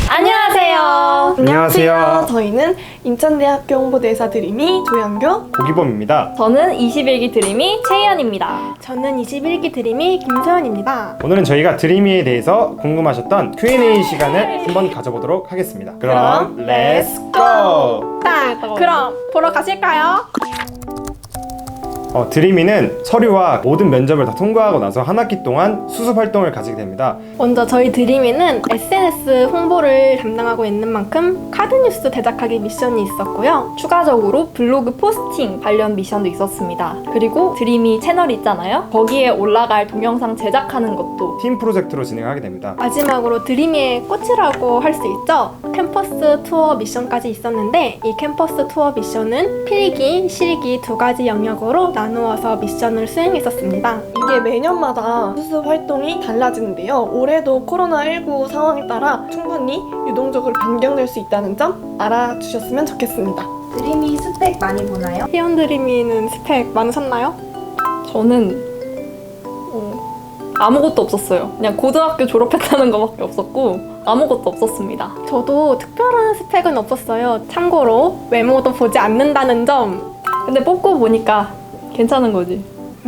안녕하세요. 안녕하세요. 저희는 인천대학교 홍보대사 드림이 조영교, 고기범입니다. 저는 21기 드림이 최희연입니다. 저는 21기 드림이 김소연입니다. 오늘은 저희가 드림이에 대해서 궁금하셨던 Q&A 시간을 한번 가져보도록 하겠습니다. 그럼 렛츠 고! 그럼 보러 가실까요? 드림이는 서류와 모든 면접을 다 통과하고 나서 한 학기 동안 수습 활동을 가지게 됩니다. 먼저 저희 드림이는 SNS 홍보를 담당하고 있는 만큼 카드뉴스 제작하기 미션이 있었고요. 추가적으로 블로그 포스팅 관련 미션도 있었습니다. 그리고 드림이 채널 있잖아요. 거기에 올라갈 동영상 제작하는 것도 팀 프로젝트로 진행하게 됩니다. 마지막으로 드림이의 꽃이라고 할 수 있죠. 캠퍼스 투어 미션까지 있었는데 이 캠퍼스 투어 미션은 필기, 실기 두 가지 영역으로 나누어서 미션을 수행했었습니다. 이게 매년마다 수습 활동이 달라지는데요. 올해도 코로나19 상황에 따라 충분히 유동적으로 변경될 수 있다는 점 알아주셨으면 좋겠습니다. 드림이 스펙 많이 보나요? 희연 드림이는 스펙 많으셨나요? 저는 아무것도 없었어요. 그냥 고등학교 졸업했다는 것밖에 없었고 아무것도 없었습니다. 저도 특별한 스펙은 없었어요. 참고로 외모도 보지 않는다는 점. 근데 뽑고 보니까 괜찮은 거지.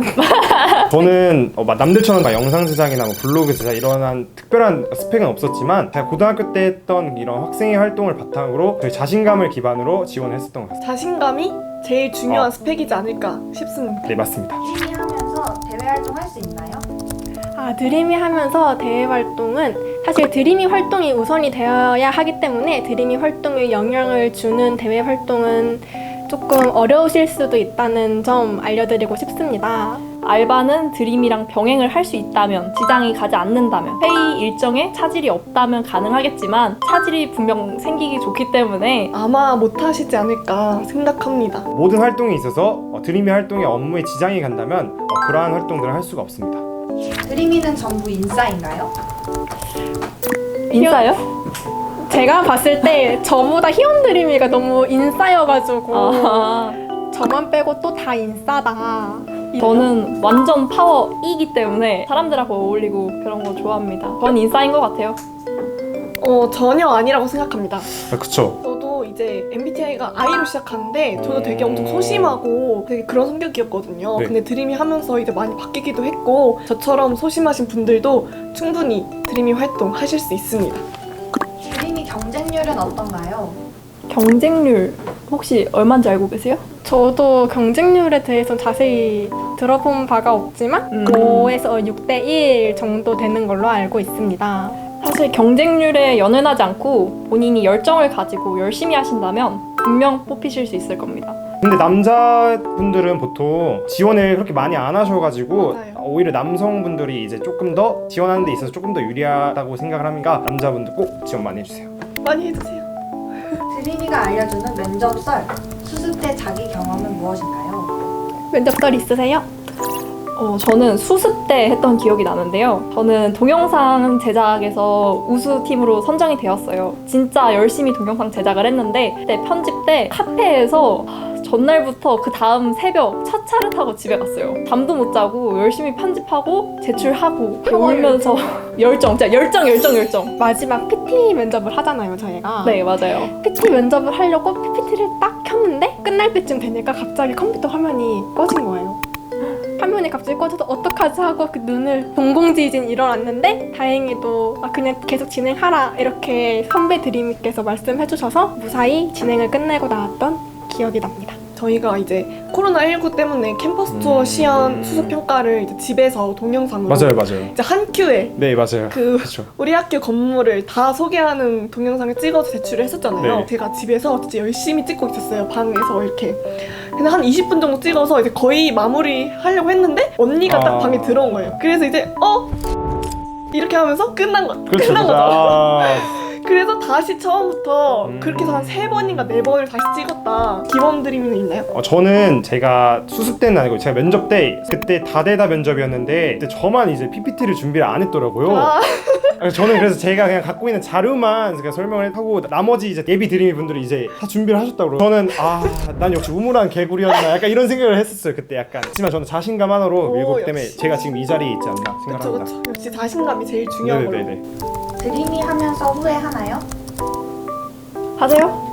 저는 남들처럼 다 영상 제작이나 블로그 제작 이런 특별한 스펙은 없었지만 제가 고등학교 때 했던 이런 학생회 활동을 바탕으로 저희 자신감을 기반으로 지원을 했었던 것 같습니다. 자신감이 제일 중요한 스펙이지 않을까 싶습니다. 네, 맞습니다. 드림이 하면서 대외 활동할 수 있나요? 드림이 하면서 대외 활동은 사실 드림이 활동이 우선이 되어야 하기 때문에 드림이 활동에 영향을 주는 대외 활동은 조금 어려우실 수도 있다는 점 알려드리고 싶습니다. 알바는 드림이랑 병행을 할 수 있다면, 지장이 가지 않는다면, 회의 일정에 차질이 없다면 가능하겠지만 차질이 분명 생기기 좋기 때문에 아마 못하시지 않을까 생각합니다. 모든 활동에 있어서 드림이 활동의 업무에 지장이 간다면 그러한 활동들을 할 수가 없습니다. 드림이는 전부 인싸인가요? 인싸요? 제가 봤을 때 저보다 희연 드림이가 너무 인싸여가지고 저만 빼고 또 다 인싸다. 저는 완전 파워 E이기 때문에 사람들하고 어울리고 그런 거 좋아합니다. 전 인싸인 것 같아요. 전혀 아니라고 생각합니다. 그쵸? 저도 이제 MBTI가 I로 시작하는데 저도 되게 엄청 소심하고 되게 그런 성격이었거든요. 네. 근데 드림이 하면서 이제 많이 바뀌기도 했고 저처럼 소심하신 분들도 충분히 드림이 활동 하실 수 있습니다. 드림이 경쟁률은 어떤가요? 경쟁률 혹시 얼마인지 알고 계세요? 저도 경쟁률에 대해서 자세히 들어본 바가 없지만 5에서 6대1 정도 되는 걸로 알고 있습니다. 사실 경쟁률에 연연하지 않고 본인이 열정을 가지고 열심히 하신다면 분명 뽑히실 수 있을 겁니다. 근데 남자분들은 보통 지원을 그렇게 많이 안 하셔가지고 맞아요. 오히려 남성분들이 이제 조금 더 지원하는 데 있어서 조금 더 유리하다고 생각을 하니까 남자분들 꼭 지원 많이 해주세요. 많이 해주세요. 드림이가 알려주는 면접 썰, 수습 때 자기 경험은 무엇인가요? 면접설 있으세요? 저는 수습 때 했던 기억이 나는데요. 저는 동영상 제작에서 우수팀으로 선정이 되었어요. 진짜 열심히 동영상 제작을 했는데 그때 편집 때 카페에서 전날부터 그 다음 새벽 첫 차를 타고 집에 갔어요. 잠도 못 자고 열심히 편집하고 제출하고 울면서 열정, 진짜 열정. 마지막 PT 면접을 하잖아요, 저희가. 네, 맞아요. PT 면접을 하려고 PPT를 딱 켰는데 끝날 때쯤 되니까 갑자기 컴퓨터 화면이 꺼진 거예요. 화면이 갑자기 꺼져서 어떡하지 하고 그 눈을 동공지진 일어났는데 다행히도 그냥 계속 진행하라 이렇게 선배 드림이께서 말씀해 주셔서 무사히 진행을 끝내고 나왔던 기억이 납니다. 저희가 이제 코로나19 때문에 캠퍼스 투어 시연 수습 평가를 이제 집에서 동영상으로 맞아요. 이제 한 큐에 네, 맞아요. 그렇죠. 우리 학교 건물을 다 소개하는 동영상을 찍어서 제출을 했었잖아요. 네. 제가 집에서 진짜 열심히 찍고 있었어요. 방에서 이렇게. 근데 한 20분 정도 찍어서 이제 거의 마무리 하려고 했는데 언니가 딱 방에 들어온 거예요. 그래서 이제 이렇게 하면서 끝난 그렇죠. 거죠. 그래서 다시 처음부터 그렇게 해서 한 3번인가 4번을 다시 찍었다. 기본 드림은 있나요? 저는 제가 수습 때는 아니고 제가 면접 때 그때 다대다 면접이었는데 그때 저만 이제 PPT를 준비를 안 했더라고요. 저는 제가 그냥 갖고 있는 자료만 제가 설명을 하고 나머지 이제 예비 드림이 분들이 이제 다 준비를 하셨다고. 저는 난 역시 우물한 개구리였나 약간 이런 생각을 했었어요 그때 약간. 하지만 저는 자신감 하나로 밀고 있기 때문에 역시. 제가 지금 이 자리에 있지 않나 생각합니다. 그쵸. 역시 자신감이 제일 중요한 걸로. 네네네. 드림이 하면서 후회하나요? 하세요?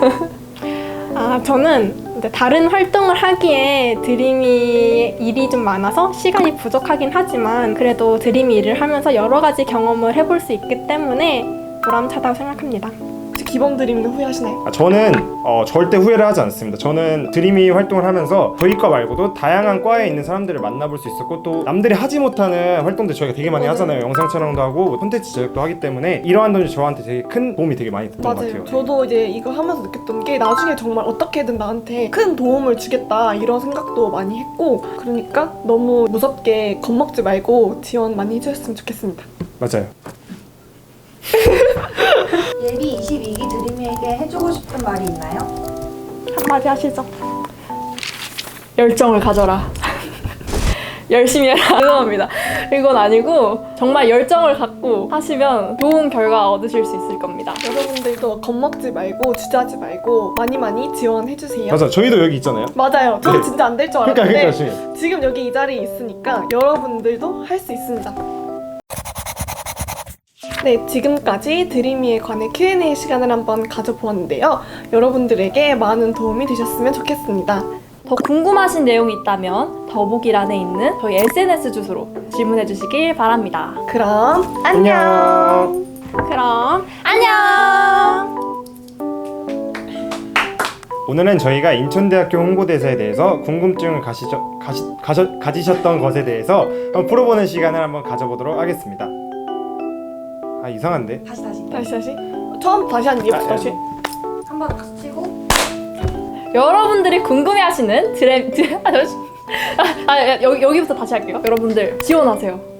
저는 이제 다른 활동을 하기에 드림이 일이 좀 많아서 시간이 부족하긴 하지만 그래도 드림이 일을 하면서 여러 가지 경험을 해볼 수 있기 때문에 보람차다고 생각합니다. 혹시 기본 드림도 후회하시나요? 저는 절대 후회를 하지 않습니다. 저는 드림이 활동을 하면서 저희 과 말고도 다양한 과에 있는 사람들을 만나볼 수 있었고 또 남들이 하지 못하는 활동들 저희가 되게 많이 하잖아요. 영상 촬영도 하고 콘텐츠 제작도 하기 때문에 이러한 점이 저한테 되게 큰 도움이 되게 많이 됐던 것 맞아요. 같아요. 저도 이제 이거 하면서 느꼈던 게 나중에 정말 어떻게든 나한테 큰 도움을 주겠다 이런 생각도 많이 했고 그러니까 너무 무섭게 겁먹지 말고 지원 많이 해주셨으면 좋겠습니다. 맞아요. 예비 22기 드림이에게 해주고 싶은 말이 있나요? 한마디 하시죠. 열정을 가져라. 열심히 해라. 죄송합니다. 이건 아니고 정말 열정을 갖고 하시면 좋은 결과 얻으실 수 있을 겁니다. 여러분들도 겁먹지 말고 주저하지 말고 많이 지원해주세요. 맞아. 저희도 여기 있잖아요. 맞아요. 저는 네. 진짜 안 될 줄 그러니까 알았는데 지금. 지금 여기 이 자리에 있으니까 여러분들도 할 수 있습니다. 네, 지금까지 드림이에 관해 Q&A 시간을 한번 가져보았는데요. 여러분들에게 많은 도움이 되셨으면 좋겠습니다. 더 궁금하신 내용이 있다면 더보기란에 있는 저희 SNS 주소로 질문해 주시길 바랍니다. 그럼 안녕. 그럼 안녕! 오늘은 저희가 인천대학교 홍보대사에 대해서 궁금증을 가지셨던 것에 대해서 한번 풀어보는 시간을 한번 가져보도록 하겠습니다. 아 이상한데? 다시. 처음 다시 한 이유부터 다시. 한번 박수 치고 여러분들이 궁금해하시는 여기부터 다시 할게요. 여러분들 지원하세요.